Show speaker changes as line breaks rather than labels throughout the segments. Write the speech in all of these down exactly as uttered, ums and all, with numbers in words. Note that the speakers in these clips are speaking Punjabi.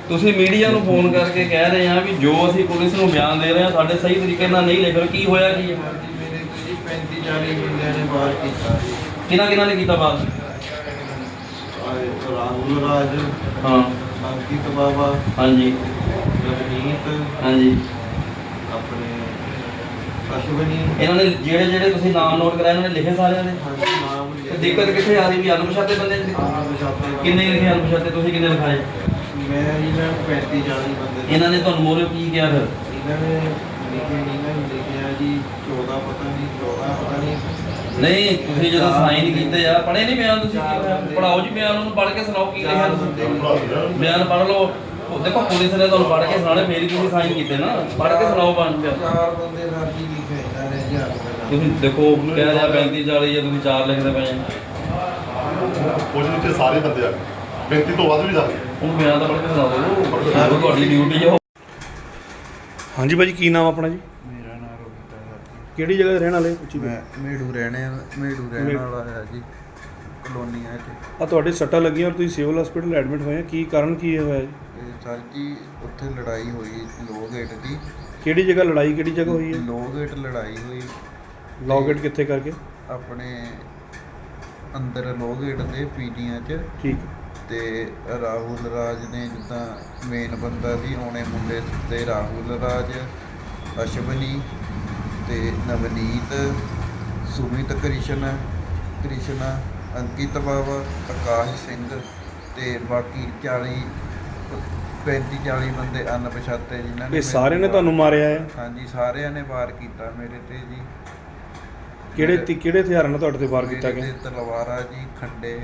ਤੁਸੀਂ ਮੀਡੀਆ ਨੂੰ ਫੋਨ ਕਰਕੇ ਕਹਿ ਰਹੇ ਆ ਵੀ ਜੋ ਅਸੀਂ ਪੁਲਿਸ ਨੂੰ ਬਿਆਨ ਦੇ ਰਹੇ ਆ ਸਾਡੇ ਸਹੀ ਤਰੀਕੇ ਨਾਲ ਨਹੀਂ ਲਿਖ ਰਹੇ, ਕੀ ਹੋਇਆ ਕੀ ਹੈ?
ਮੇਰੇ ਕੋਈ ਪੈਂਤੀ ਚਾਲੀ ਬੰਦਿਆਂ ਨੇ ਬਾਹਰ ਕੀਤਾ ਜੀ।
ਕਿਹਨਾਂ ਕਿਹਨਾਂ ਨੇ ਕੀਤਾ ਬਾਤ?
ਰਾਹੁਲ ਰਾਜ,
ਹਾਂ,
ਅੰਕਿਤ ਬਾਬਾ,
ਹਾਂਜੀ
ਰਵਨੀਤ,
ਹਾਂਜੀ।
ਆਪਣੇ ਅਸ਼ਵਨੀ।
ਇਹਨਾਂ ਨੇ ਜਿਹੜੇ ਜਿਹੜੇ ਤੁਸੀਂ ਨਾਮ ਨੋਟ ਕਰਾਏ ਇਹਨਾਂ ਨੇ ਲਿਖੇ ਸਾਰਿਆਂ ਦੇ?
ਹਾਂਜੀ, ਨਾਮ
ਤੇ ਦਿੱਕਤ ਕਿੱਥੇ ਆ ਰਹੀ ਵੀ ਅਣਪਛਾਤੇ ਬੰਦੇ ਨੇ? ਕਿੰਨੇ ਲਿਖੇ ਅਣਪਛਾਤੇ, ਤੁਸੀਂ ਕਿੰਨੇ ਲਿਖਾਏ?
ਮੈਂ ਜੀ ਮੈਂ ਪੈਂਤੀ ਚਾਲੀ ਬੰਦੇ।
ਇਹਨਾਂ ਨੇ ਤੁਹਾਨੂੰ ਮੋਰੇ ਕੀ ਕਿਹਾ ਫਿਰ?
ਇਹਨਾਂ ਨੇ ਲਿਖੇ ਨਹੀਂ ਨਾ ਲਿਖਿਆ ਜੀ ਚੌਦਾਂ ਪਤਾ ਨਹੀਂ ਚੌਦਾਂ ਪਤਾ ਨਹੀਂ।
ਨਹੀਂ ਤੁਸੀਂ ਜਦੋਂ ਸਾਈਨ ਕੀਤੇ ਆ ਪੜ੍ਹੇ ਨਹੀਂ ਬਿਆਨ? ਤੁਸੀਂ ਪੜਾਓ ਜੀ ਬਿਆਨ, ਉਹਨੂੰ ਪੜ੍ਹ ਕੇ ਸੁਣਾਓ ਕੀ ਲਿਖਿਆ ਤੁਸੀਂ। ਬਿਆਨ ਪੜ੍ਹ ਲਓ। ਉਹ ਦੇਖੋ ਪੁਲਿਸ ਨੇ ਤੁਹਾਨੂੰ ਪੜ੍ਹ ਕੇ ਸੁਣਾਉਣੇ, ਫੇਰ ਹੀ ਤੁਸੀਂ ਸਾਈਨ ਕੀਤੇ ਨਾ। ਪੜ੍ਹ ਕੇ ਸੁਣਾਓ ਬਿਆਨ।
ਚਾਰ ਬੰਦੇ ਨਾਲ ਜੀ ਲਿਖੇ ਇਹਨਾਂ ਨੇ ਜੀ ਹੱਥ ਨਾਲ।
ਤੁਸੀਂ ਦੇਖੋ ਕਹਿ ਰਿਹਾ ਪੈਂਤੀ ਚਾਲੀ ਜਾਂ ਤੁਸੀਂ ਚਾਰ ਲਿਖਦੇ ਪਏ ਆ।
ਕੁਝ ਵਿੱਚ ਸਾਰੇ ਬੰਦੇ ਆ ਗਏ, ਪੈਂਤੀ ਤੋਂ ਵੱਧ ਵੀ ਜਾ ਗਏ।
ਉਹ ਬਿਆਨ ਤਾਂ ਪੜ੍ਹ ਕੇ ਸੁਣਾ ਦਿਓ, ਉਹ ਤੁਹਾਡੀ ਡਿਊਟੀ ਆ।
ਹਾਂਜੀ ਭਾਜੀ, ਕੀ ਨਾਮ ਆਪਣਾ ਜੀ?
ਮੇਰਾ ਨਾਮ ਰੋਹਿਤ ਹੈ ਜੀ।
ਕਿਹੜੀ ਜਗ੍ਹਾ ਦੇ ਰਹਿਣ ਵਾਲੇ?
ਮੈਂ ਮੇੜੂ ਰਹਿਣੇ ਮੇੜੂ ਰਹਿਣ ਵਾਲਾ ਹੈ ਜੀ, ਕਲੋਨੀਆਂ 'ਚ।
ਆ ਤੁਹਾਡੇ ਸੱਟਾਂ ਲੱਗੀਆਂ ਔਰ ਤੁਸੀਂ ਸਿਵਲ ਹਸਪੀਟਲ ਐਡਮਿਟ ਹੋਏ ਆ, ਕੀ ਕਾਰਨ ਕੀ ਹੋਇਆ ਜੀ?
ਤੇ ਸਰ ਜੀ ਉੱਥੇ ਲੜਾਈ ਹੋਈ ਲੋਅ ਗੇਟ ਦੀ।
ਕਿਹੜੀ ਜਗ੍ਹਾ ਲੜਾਈ, ਕਿਹੜੀ ਜਗ੍ਹਾ ਹੋਈ ਹੈ?
ਲੋਅ ਗੇਟ ਲੜਾਈ ਹੋਈ
ਲੌ ਗੇਟ ਕਿੱਥੇ ਕਰਕੇ?
ਆਪਣੇ ਅੰਦਰ ਲੋਅ ਗੇਟ ਦੇ ਪੀਡੀਆਂ 'ਚ।
ਠੀਕ।
ਤੇ ਰਾਹੁਲ ਰਾਜ ਨੇ ਜਿੱਦਾਂ ਮੇਨ ਬੰਦਾ ਸੀ, ਉਹਨੇ ਮੁੰਡੇ ਤੇ ਰਾਹੁਲ ਰਾਜ, ਅਸ਼ਵਨੀ ਤੇ ਨਵਨੀਤ, ਸੁਮਿਤ ਕ੍ਰਿਸ਼ਨ ਕ੍ਰਿਸ਼ਨਾ, ਅੰਕਿਤ ਬਾਬਾ, ਆਕਾਸ਼ ਸਿੰਘ ਤੇ ਬਾਕੀ ਚਾਲੀ ਪੈਂਤੀ ਚਾਲੀ ਬੰਦੇ ਅਣਪਛਾਤੇ ਜਿਨ੍ਹਾਂ ਨੇ।
ਇਹ ਸਾਰਿਆਂ ਨੇ ਤੁਹਾਨੂੰ ਮਾਰਿਆ ਹੈ?
ਹਾਂਜੀ, ਸਾਰਿਆਂ ਨੇ ਵਾਰ ਕੀਤਾ ਮੇਰੇ ਤੇ ਜੀ।
ਕਿਹੜੇ ਤੀ ਕਿਹੜੇ ਹਥਿਆਰਾਂ ਨਾਲ ਤੁਹਾਡੇ ਤੇ ਵਾਰ ਕੀਤਾ
ਮੇਰੇ
ਗਿਆ?
ਤੇ ਤਲਵਾਰਾਂ ਜੀ, ਖੰਡੇ,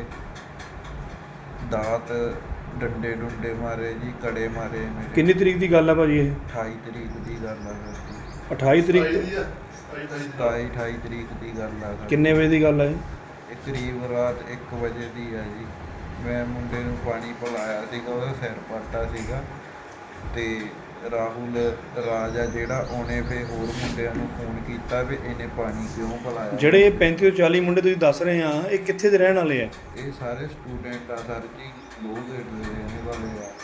ਦਾਤ, ਡੰਡੇ ਡੁੰਡੇ ਮਾਰੇ ਜੀ, ਕੜੇ ਮਾਰੇ ਮੇਰੇ।
ਕਿੰਨੀ ਤਰੀਕ ਦੀ ਗੱਲ ਹੈ ਭਾਜੀ ਇਹ?
ਅਠਾਈ ਤਰੀਕ ਦੀ ਗੱਲ ਆ ਜੀ।
ਅਠਾਈ ਤਰੀਕ?
ਸਤਾਈ ਅਠਾਈ ਤਰੀਕ ਦੀ ਗੱਲ ਆ।
ਕਿੰਨੇ ਵਜੇ ਦੀ ਗੱਲ ਹੈ ਇਹ?
ਇਹ ਕਰੀਬ ਰਾਤ ਇੱਕ ਵਜੇ ਦੀ ਆ ਜੀ। ਮੈਂ ਮੁੰਡੇ ਨੂੰ ਪਾਣੀ ਪਿਲਾਇਆ ਸੀਗਾ, ਉਹਦਾ ਸਿਰ ਪਾਟਾ ਸੀਗਾ। ਤੇ ਰਾਹੁਲ ਰਾਜ ਆ ਜਿਹੜਾ, ਉਹਨੇ ਫਿਰ ਹੋਰ ਮੁੰਡਿਆਂ ਨੂੰ ਫੋਨ ਕੀਤਾ ਵੀ ਇਹਨੇ ਪਾਣੀ ਕਿਉਂ ਪਿਲਾਇਆ।
ਜਿਹੜੇ ਪੈਂਤੀ ਤੋਂ ਚਾਲੀ ਮੁੰਡੇ ਤੁਸੀਂ ਦੱਸ ਰਹੇ ਆ, ਇਹ ਕਿੱਥੇ ਦੇ ਰਹਿਣ ਵਾਲੇ ਆ?
ਇਹ ਸਾਰੇ ਸਟੂਡੈਂਟ ਆ ਸਰ ਜੀ, ਲੋਅ ਗੇਟ ਦੇ ਰਹਿਣ ਵਾਲੇ ਆ।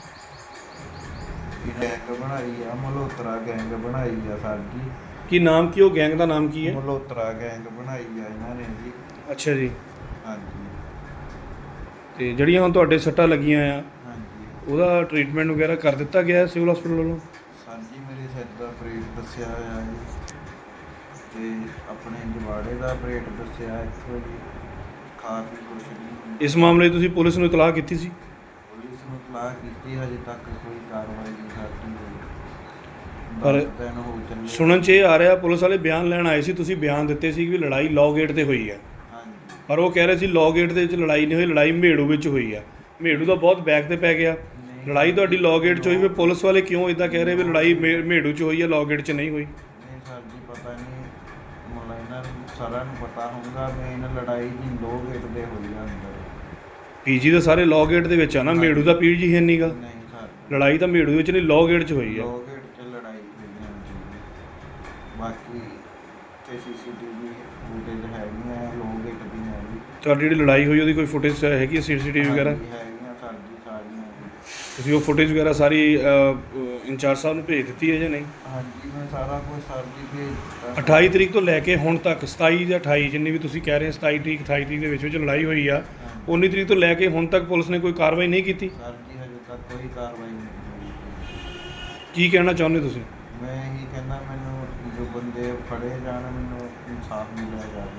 ਇਹ ਗੈਂਗ ਬਣਾਈ ਆ, ਮਲਹੋਤਰਾ ਗੈਂਗ ਬਣਾਈ ਆ ਸਰ ਜੀ।
ਕੀ ਨਾਮ ਕੀ, ਉਹ ਗੈਂਗ ਦਾ ਨਾਮ ਕੀ ਹੈ?
ਮਲਹੋਤਰਾ ਗੈਂਗ ਬਣਾਈ ਆ ਇਹਨਾਂ ਨੇ ਜੀ।
ਅੱਛਾ ਜੀ।
ਹਾਂਜੀ
ਤੇ ਜਿਹੜੀਆਂ ਹੁਣ ਤੁਹਾਡੇ ਸੱਟਾਂ ਲੱਗੀਆਂ ਆ,
ਹਾਂਜੀ
ਉਹਦਾ ਟ੍ਰੀਟਮੈਂਟ ਵਗੈਰਾ ਕਰ ਦਿੱਤਾ ਗਿਆ ਸਿਵਲ ਹਸਪੀਟਲ ਵੱਲੋਂ?
ਸਰ ਜੀ ਮੇਰੇ ਸਿਰ ਦਾ ਆਪਰੇਟ ਦੱਸਿਆ ਹੋਇਆ ਜੀ, ਤੇ ਆਪਣੇ ਜਵਾੜੇ ਦਾ ਆਪਰੇਟ ਦੱਸਿਆ ਇੱਥੋਂ ਜੀ। ਖਾ ਪੀ ਕੁਛ ਨਹੀਂ।
ਇਸ ਮਾਮਲੇ 'ਚ ਤੁਸੀਂ ਪੁਲਿਸ ਨੂੰ ਇਤਲਾਹ ਕੀਤੀ ਸੀ?
ਪੁਲਿਸ ਨੂੰ ਇਤਲਾਹ ਕੀਤੀ, ਹਜੇ ਤੱਕ ਕੋਈ ਕਾਰਵਾਈ ਨਹੀਂ ਸਾਡੀ ਹੋਈ।
ਪਰ
ਦਸ ਦਿਨ ਹੋ ਚੱਲੇ।
ਸੁਣਨ 'ਚ ਇਹ ਆ ਰਿਹਾ ਪੁਲਿਸ ਵਾਲੇ ਬਿਆਨ ਲੈਣ ਆਏ ਸੀ, ਤੁਸੀਂ ਬਿਆਨ ਦਿੱਤੇ ਸੀ ਕਿ ਲੜਾਈ ਲੌ ਗੇਟ ਤੇ ਹੋਈ ਹੈ,
ਹਾਂਜੀ
ਪਰ ਉਹ ਕਹਿ ਰਹੇ ਸੀ ਲੌ ਗੇਟ ਦੇ ਵਿੱਚ ਲੜਾਈ ਨਹੀਂ ਹੋਈ, ਲੜਾਈ ਮੇੜੂ ਵਿੱਚ ਹੋਈ ਹੈ। ਮੇੜੂ ਦਾ ਬਹੁਤ ਬੈਕ ਤੇ ਪੈ ਗਿਆ। ਲੜਾਈ ਤੁਹਾਡੀ ਲੌ ਗੇਟ 'ਚ ਹੋਈ, ਫਿਰ ਪੁਲਿਸ ਵਾਲੇ ਕਿਉਂ ਇਦਾਂ ਕਹਿ ਰਹੇ ਵੀ ਲੜਾਈ ਮੇ- ਮੇੜੂ 'ਚ ਹੋਈ ਹੈ, ਲੌ ਗੇਟ 'ਚ ਨਹੀਂ ਹੋਈ?
ਨਹੀਂ ਸਰ ਜੀ ਪਤਾ ਨਹੀਂ, ਮਤਲਬ ਇਹਨਾਂ ਨੂੰ ਸਾਰਿਆਂ ਨੂੰ ਪਤਾ ਹੋਊਗਾ। ਮੇਨ ਲੜਾਈ ਜੀ ਲੋਅ ਗੇਟ ਦੇ ਹੋਈ ਆ ਅੰਦਰ।
ਪੀਜੀ ਤਾਂ ਸਾਰੇ ਲੌ ਗੇਟ ਦੇ ਵਿੱਚ ਆ ਨਾ, ਮੇੜੂ ਦਾ ਪੀਜੀ ਹੈ ਨਹੀਂਗਾ।
ਨਹੀਂ ਸਰ,
ਲੜਾਈ ਤਾਂ ਮੇੜੂ ਵਿੱਚ ਨਹੀਂ, ਲੌ ਗੇਟ 'ਚ ਹੋਈ ਹੈ।
ਲੋਅ ਗੇਟ 'ਚ ਲੜਾਈ ਹੋਈ ਆ ਜੀ। ਬਾਕੀ ਤੇ ਸੀਸੀਟੀਵੀ ਫੁਟੇਜ ਹੈਗੀਆਂ ਲੋਅ ਗੇਟ ਦੀ ਹੈਗੀ।
ਤੁਹਾਡੀ ਜਿਹੜੀ ਲੜਾਈ ਹੋਈ ਉਹਦੀ ਕੋਈ ਫੁਟੇਜ ਹੈਗੀ ਹੈ, ਸੀਸੀਟੀਵੀ ਵਗੈਰਾ?
ਹਾਂਜੀ, ਹੈਗੀਆਂ ਸਰ ਜੀ ਸਾਰੀਆਂ ਜੀ।
ਤੁਸੀਂ ਉਹ ਫੁਟੇਜ ਵਗੈਰਾ ਸਾਰੀ ਇੰਚਾਰਜ ਸਾਹਿਬ ਨੂੰ ਭੇਜ ਦਿੱਤੀ ਹੈ ਜਾਂ ਨਹੀਂ?
ਹਾਂਜੀ ਮੈਂ ਸਾਰਾ ਕੁਝ ਸਰ ਜੀ ਭੇਜ ਦਿੱਤਾ।
ਅਠਾਈ ਤਰੀਕ ਤੋਂ ਲੈ ਕੇ ਹੁਣ ਤੱਕ ਸਤਾਈ ਜਾਂ ਅਠਾਈ, ਜਿੰਨੀ ਵੀ ਤੁਸੀਂ ਕਹਿ ਰਹੇ ਸਤਾਈ ਤਰੀਕ ਅਠਾਈ ਤਰੀਕ ਦੇ ਵਿੱਚ ਵਿੱਚ ਲੜਾਈ ਹੋਈ ਆ, ਉੱਨੀ ਤਰੀਕ ਤੋਂ ਲੈ ਕੇ ਹੁਣ ਤੱਕ ਪੁਲਿਸ ਨੇ ਕੋਈ ਕਾਰਵਾਈ ਨਹੀਂ ਕੀਤੀ?
ਸਰ ਜੀ ਹਜੇ ਤੱਕ ਕੋਈ ਕਾਰਵਾਈ ਨਹੀਂ ਹੋਈ।
ਕੀ ਕਹਿਣਾ ਚਾਹੁੰਦੇ ਤੁਸੀਂ?
ਮੈਂ ਇਹੀ ਕਹਿੰਦਾ ਮੈਨੂੰ ਜੋ ਬੰਦੇ ਫੜੇ ਜਾਣ, ਮੈਨੂੰ ਇਨਸਾਫ ਮਿਲਿਆ ਜਾਵੇ।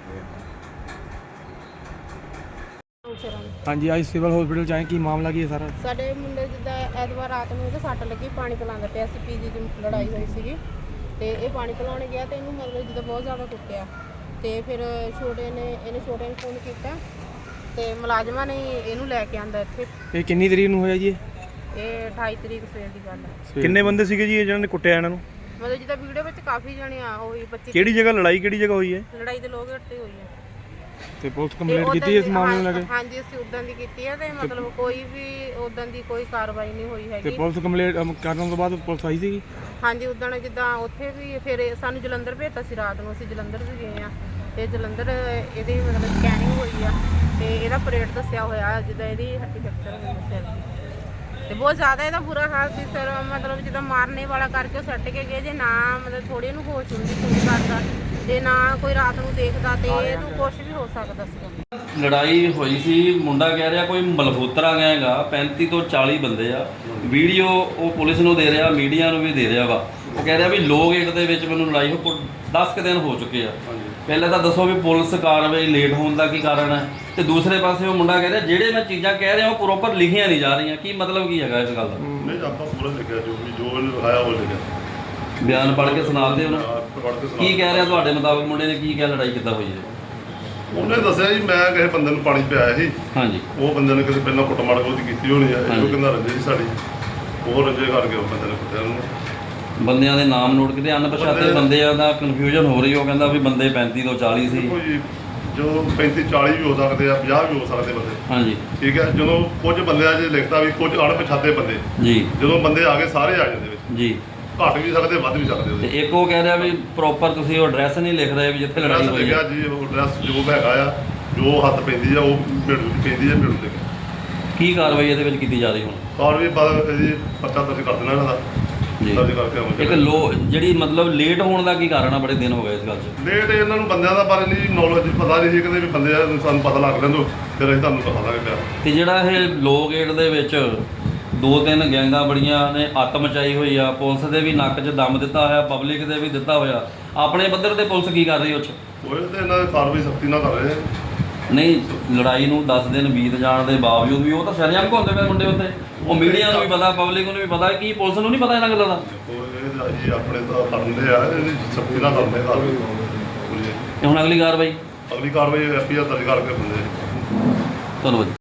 ਹਾਂਜੀ ਅੱਜ ਸਿਵਲ ਹਸਪੀਟਲ ਚ ਆਏ, ਕੀ ਮਾਮਲਾ ਕੀ ਹੈ ਸਾਰਾ?
ਸਾਡੇ ਮੁੰਡੇ ਜਿੱਦਾਂ ਐਤਵਾਰ ਰਾਤ ਨੂੰ ਇਹਦੇ ਸੱਟ ਲੱਗੀ, ਪਾਣੀ ਪਿਲਾਉਂਦਾ ਪਿਆ ਸੀ, ਪੀਜੀ ਦੀ ਲੜਾਈ ਹੋਈ ਸੀਗੀ ਤੇ ਇਹ ਪਾਣੀ ਪਿਲਾਉਣ ਗਿਆ ਤੇ ਇਹਨੂੰ ਮਤਲਬ ਜਿੱਦਾਂ ਬਹੁਤ ਜ਼ਿਆਦਾ ਕੁੱਟਿਆ। ਤੇ ਫਿਰ ਛੋਟੇ ਨੇ ਇਹਨੇ ਛੋਟੇ ਨੂੰ ਫੋਨ ਕੀਤਾ ਤੇ ਮੁਲਾਜ਼ਮਾਂ ਨੇ ਇਹਨੂੰ ਲੈ ਕੇ ਆਂਦਾ ਇੱਥੇ।
ਇਹ ਕਿੰਨੀ ਤਰੀਕ ਨੂੰ ਹੋਇਆ ਜੀ?
ਇਹ ਅਠਾਈ ਤਰੀਕ ਸਵੇਰ ਦੀ ਗੱਲ ਹੈ।
ਕਿੰਨੇ ਬੰਦੇ ਸੀਗੇ ਜੀ ਇਹ ਜਿਹਨਾਂ ਨੇ ਕੁੱਟਿਆ ਇਹਨਾਂ ਨੂੰ?
ਮਤਲਬ ਜਿੱਦਾਂ ਵੀਡੀਓ ਵਿੱਚ ਕਾਫੀ ਜਣੇ ਆ ਹੋਈ ਪੱਚੀ।
ਕਿਹੜੀ ਜਗ੍ਹਾ ਲੜਾਈ, ਕਿਹੜੀ ਜਗ੍ਹਾ ਹੋਈ ਹੈ?
ਲੜਾਈ ਦੇ ਲੋਕ ਤੇ ਹੋਈ ਹੈ।
ਤੇ ਪੁਲਿਸ
ਤੇ
ਕੰਪਲੇਂਟ
ਉੱਦਾਂ
ਕੀਤੀ ਇਸ
ਦੀ-
ਮਾਮਲੇ ਨੂੰ ਲੈ
ਹਾਂ-
ਕੇ?
ਹਾਂਜੀ ਅਸੀਂ ਉਦਾਂ ਦੀ ਕੀਤੀ ਹੈ ਤੇ ਮਤਲਬ ਕੋਈ ਵੀ ਉਦਾਂ ਦੀ ਕੋਈ ਕਾਰਵਾਈ ਨਹੀਂ ਹੋਈ
ਤੇ
ਹੈਗੀ।
ਪੁਲਿਸ ਕੰਪਲੇਂਟ ਕਰਨ ਤੋਂ ਬਾਅਦ ਪੁਲਿਸ ਆਈ ਸੀਗੀ?
ਹਾਂਜੀ ਉਦਣ ਜਿੱਦਾਂ ਉੱਥੇ ਵੀ ਫਿਰ ਸਾਨੂੰ ਜਲੰਧਰ ਭੇਜਤਾ ਸੀ ਰਾਤ ਨੂੰ, ਅਸੀਂ ਜਲੰਧਰ ਵੀ ਗਏ ਆ ਤੇ ਜਲੰਧਰ ਇਹਦੀ ਮਤਲਬ ਸਕੈਨਿੰਗ ਹੋਈ ਆ ਤੇ ਇਹਦਾ ਪਰੇਡ ਦੱਸਿਆ ਹੋਇਆ ਜਿੱਦਾਂ ਇਹਦੀ ਹੱਡੀ ਫ੍ਰੈਕਚਰ ਹੋਈ ਸਿਰ ਦੀ। ਤੇ ਬਹੁਤ ਜ਼ਿਆਦਾ ਇਹਦਾ ਬੁਰਾ ਹਾਲ ਸੀ ਸਰ। ਮਤਲਬ ਜਿੱਦਾਂ ਮਾਰਨੇ ਵਾਲਾ ਕਰਕੇ ਉਹ ਸੱਟ ਕੇ ਗਏ, ਜੇ ਨਾ ਮਤਲਬ ਥੋੜੀ ਇਹਨੂੰ ਹੋਸ਼ ਹੁੰਦੀ ਕੁਝ ਕਰਦਾ ਤੇ ਨਾ ਕੋਈ ਰਾਤ ਨੂੰ ਦੇਖਦਾ ਤੇ ਇਹਨੂੰ ਕੁਝ ਵੀ ਹੋ ਸਕਦਾ ਸੀ।
ਲੜਾਈ ਹੋਈ ਸੀ, ਮੁੰਡਾ ਕਹਿ ਰਿਹਾ ਕੋਈ ਮਲਹੋਤਰਾ ਗਿਆ ਹੈਗਾ, ਪੈਂਤੀ ਤੋਂ ਚਾਲੀ ਬੰਦੇ ਆ। ਵੀਡੀਓ ਉਹ ਪੁਲਿਸ ਨੂੰ ਦੇ ਰਿਹਾ, ਮੀਡੀਆ ਨੂੰ ਵੀ ਦੇ ਰਿਹਾ ਵਾ। ਉਹ ਕਹਿ ਰਿਹਾ ਵੀ ਲੋਕ ਏਟ ਦੇ ਵਿੱਚ ਮੈਨੂੰ ਲੜਾਈ ਹੋ ਦਸ ਕੁ ਦਿਨ ਹੋ ਚੁੱਕੇ ਆ। ਪਹਿਲਾਂ ਤਾਂ ਦੱਸੋ ਵੀ ਪੁਲਿਸ ਕਾਰਵਾਈ ਲੇਟ ਹੋਣ ਦਾ ਕੀ ਕਾਰਨ ਹੈ, ਤੇ ਦੂਸਰੇ ਪਾਸੇ ਉਹ ਮੁੰਡਾ ਕਹਿ ਰਿਹਾ ਜਿਹੜੇ ਮੈਂ ਚੀਜ਼ਾਂ ਕਹਿ ਰਿਹਾ ਉਹ ਪ੍ਰੋਪਰ ਲਿਖੀਆਂ ਨਹੀਂ ਜਾ ਰਹੀਆਂ। ਕੀ ਮਤਲਬ ਕੀ ਹੈਗਾ ਇਸ ਗੱਲ ਦਾ?
ਨਹੀਂ ਆਪਾਂ ਪੂਰਾ ਲਿਖਿਆ, ਜੋ ਵੀ ਜੋ ਇਹਨੇ ਲਿਖਾਇਆ ਉਹ ਲਿਖਿਆ।
ਬਿਆਨ ਪੜ੍ਹ ਕੇ ਸੁਣਾਉਂਦੇ ਉਹਨਾਂ
ਪੜ੍ਹ ਕੇ ਸੁਣਾ
ਕੀ ਕਹਿ ਰਿਹਾ ਤੁਹਾਡੇ ਮੁਤਾਬਕ? ਮੁੰਡੇ ਨੇ ਕੀ ਕਿਹਾ, ਲੜਾਈ ਕਿੱਦਾਂ ਹੋਈ ਹੈ?
ਉਹਨੇ ਦੱਸਿਆ ਜੀ ਮੈਂ ਕਿਸੇ ਬੰਦੇ ਨੂੰ ਪਾਣੀ ਪਿਆਇਆ ਸੀ,
ਹਾਂਜੀ
ਉਹ ਬੰਦੇ ਨੇ ਕਿਤੇ ਪਹਿਲਾਂ ਕੁੱਟਮਾਰ ਉਹਦੀ ਕੀਤੀ ਹੋਣੀ ਹੈ,
ਹਾਂਜੀ।
ਉਹ ਕਹਿੰਦਾ ਰੰਜੇ ਸੀ ਸਾਡੀ, ਉਹ ਰੰਜੇ ਕਰਕੇ ਉਹ ਬੰਦੇ ਨੇ ਕੁੱਟਿਆ ਉਹਨੂੰ।
ਬੰਦਿਆਂ ਦੇ ਨਾਮ ਨੋਟ ਕਿਤੇ ਅਣਪਛਾਤੇ
ਬੰਦੇ-
ਬੰਦਿਆਂ ਦਾ ਕਨਫਿਊਜ਼ਨ ਹੋ ਰਹੀ। ਉਹ ਕਹਿੰਦਾ ਵੀ ਬੰਦੇ ਪੈਂਤੀ ਤੋਂ ਚਾਲੀ ਸੀ।
ਦੇਖੋ ਜੀ, ਜੋ ਪੈਂਤੀ ਚਾਲੀ ਵੀ ਹੋ ਸਕਦੇ ਆ, ਪੰਜਾਹ ਵੀ ਹੋ ਸਕਦੇ ਬੰਦੇ,
ਹਾਂਜੀ
ਠੀਕ ਹੈ। ਜਦੋਂ ਕੁਝ ਬੰਦਿਆਂ 'ਚ ਲਿਖਦਾ ਵੀ ਕੁਝ ਅਣਪਛਾਤੇ ਬੰਦੇ,
ਜੀ
ਜਦੋਂ ਬੰਦੇ ਆ ਗਏ ਸਾਰੇ ਆ ਜਾਂਦੇ ਵਿੱਚ,
ਜੀ।
ਘੱਟ ਵੀ ਸਕਦੇ ਵੱਧ ਵੀ ਸਕਦੇ
ਤੇ
ਉਹਦੇ।
ਇੱਕ ਉਹ ਕਹਿ ਰਿਹਾ ਵੀ ਪ੍ਰੋਪਰ ਤੁਸੀਂ ਉਹ ਐਡਰੈਸ ਨਹੀਂ ਲਿਖ ਰਹੇ ਵੀ ਜਿੱਥੇ ਲੜਾਈ
ਐਡਰੈਸ
ਹੋਈ
ਲਿਖਿਆ
ਹੈ।
ਜੀ, ਉਹ ਐਡਰੈਸ ਜੋ ਹੈਗਾ ਆ, ਜੋ ਹੱਥ ਪੈਂਦੀ ਆ ਉਹ ਮਿਲੂ ਪੈਂਦੀ ਆ, ਮਿਲੂ ਦੇ
ਕੀ ਕਾਰਵਾਈ ਇਹਦੇ ਵਿੱਚ ਕੀਤੀ ਜਾ ਰਹੀ ਹੁਣ?
ਔਰ ਵੀ ਬਾਅਦ ਇਹਦੀ ਪਰਚਾ ਦਰਜ ਕਰ ਦੇਣਾ ਇਹਨਾਂ ਦਾ,
ਜੀ
ਦਰਜ ਕਰਕੇ ਆਵਾਂਗੇ।
ਇੱਕ ਲੋ ਜਿਹੜੀ ਮਤਲਬ ਲੇਟ ਹੋਣ ਦਾ ਕੀ ਕਾਰਨ ਆ? ਬੜੇ ਦਿਨ ਹੋ ਗਏ ਇਸ ਗੱਲ 'ਚ।
ਲੇਟ ਇਹਨਾਂ ਨੂੰ ਬੰਦਿਆਂ ਦਾ ਬਾਰੇ ਨਹੀਂ ਨੌਲੇਜ, ਪਤਾ ਨਹੀਂ ਸੀ, ਕਹਿੰਦੇ ਵੀ ਬੰਦੇ ਆ, ਸਾਨੂੰ ਪਤਾ ਲੱਗ ਲੈਂਦੋ ਫਿਰ ਅਸੀਂ ਤੁਹਾਨੂੰ ਦਿਖਾ ਦਾਂਗੇ ਪਿਆ।
ਤੇ ਜਿਹੜਾ ਇਹ ਲੋ ਗੇਟ ਦੇ ਵਿੱਚ ਦੋ ਤਿੰਨ ਗੈਂਗਾਂ ਬੜੀਆਂ ਨੇ ਅੱਤ ਮਚਾਈ ਹੋਈ ਆ, ਪੁਲਿਸ ਦੇ ਵੀ ਨੱਕ 'ਚ ਦਮ ਦਿੱਤਾ ਹੋਇਆ, ਪਬਲਿਕ ਦੇ ਵੀ ਦਿੱਤਾ ਹੋਇਆ, ਆਪਣੇ ਪੱਧਰ ਤੇ ਪੁਲਿਸ ਕੀ ਕਰ ਰਹੀ ਉਹ 'ਚ?
ਉਹ ਤੇ ਇਹਨਾਂ ਦੀ ਕਾਰਵਾਈ ਸਖਤੀ ਨਾਲ ਕਰ ਰਹੇ ਆ।
ਨਹੀਂ, ਲੜਾਈ ਨੂੰ ਦਸ ਦਿਨ ਬੀਤ ਜਾਣ ਦੇ ਬਾਵਜੂਦ ਵੀ ਉਹ ਤਾਂ ਸ਼ਰੇਆਮ ਘੁੰਮਦੇ ਪਏ ਮੁੰਡੇ ਉੱਤੇ। ਉਹ ਮੀਡੀਆ ਨੂੰ ਵੀ ਪਤਾ, ਪਬਲਿਕ ਨੂੰ ਵੀ ਪਤਾ, ਕੀ ਪੁਲਿਸ ਨੂੰ ਨਹੀਂ ਪਤਾ ਇਹਨਾਂ ਗੱਲਾਂ ਦਾ?
ਦੇਖੋ ਇਹ ਜੀ ਆਪਣੇ ਤਾਂ ਕਰਦੇ ਆ, ਇਹਦੀ ਸਖਤੀ ਨਾਲ ਕਰਦੇ ਕਾਰਵਾਈ।
ਤੇ ਹੁਣ ਅਗਲੀ ਕਾਰਵਾਈ
ਅਗਲੀ ਕਾਰਵਾਈ ਐਫ ਆਈ ਆਰ ਦਰਜ ਕਰਕੇ ਬੰਦੇ
ਧੰਨਵਾਦ।